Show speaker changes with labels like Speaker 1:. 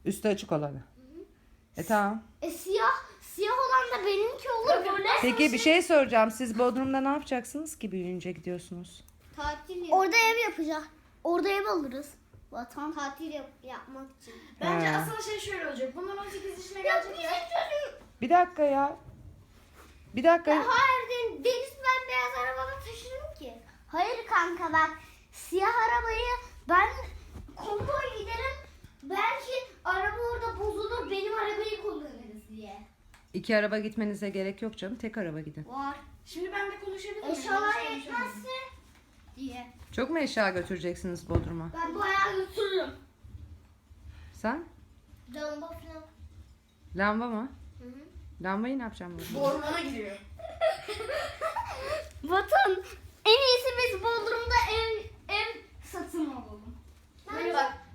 Speaker 1: Üstü açık olanı. Tamam.
Speaker 2: Siyah olan da benimki olur böyle.
Speaker 1: Peki bir şey soracağım. Siz Bodrum'da ne yapacaksınız ki büyüyünce gidiyorsunuz?
Speaker 2: Tatil orada ev yapacağız. Orada ev alırız. Vatan tatil yapmak için.
Speaker 3: Bence
Speaker 1: He.
Speaker 3: asıl şey şöyle olacak. Bunlar 18 yaşına gelecek ya.
Speaker 1: Bir dakika ya. Bir dakika.
Speaker 2: Hayır Deniz ben beyaz arabada taşırım ki. Hayır kanka bak siyah arabayı ben konvoy giderim. Belki araba orada bozulur benim arabayı kullanırız diye.
Speaker 1: 2 araba gitmenize gerek yok canım. Tek araba gidin.
Speaker 2: Var.
Speaker 3: Şimdi ben de konuşabilir miyim?
Speaker 2: Eşyalar
Speaker 3: Yanlış konuşamıyorum.
Speaker 2: yetmezse diye.
Speaker 1: Çok mu eşya götüreceksiniz Bodrum'a?
Speaker 2: Ben bayağı götürürüm.
Speaker 1: Sen?
Speaker 2: Lamba falan.
Speaker 1: Lamba mı?
Speaker 2: Hı hı.
Speaker 1: Lambayı ne yapacağım
Speaker 3: Bu
Speaker 1: Bodrum'da?
Speaker 3: ormana gidiyor.
Speaker 2: Vatan en iyisi biz Bodrum'da ev satın alalım.
Speaker 3: Böyle bak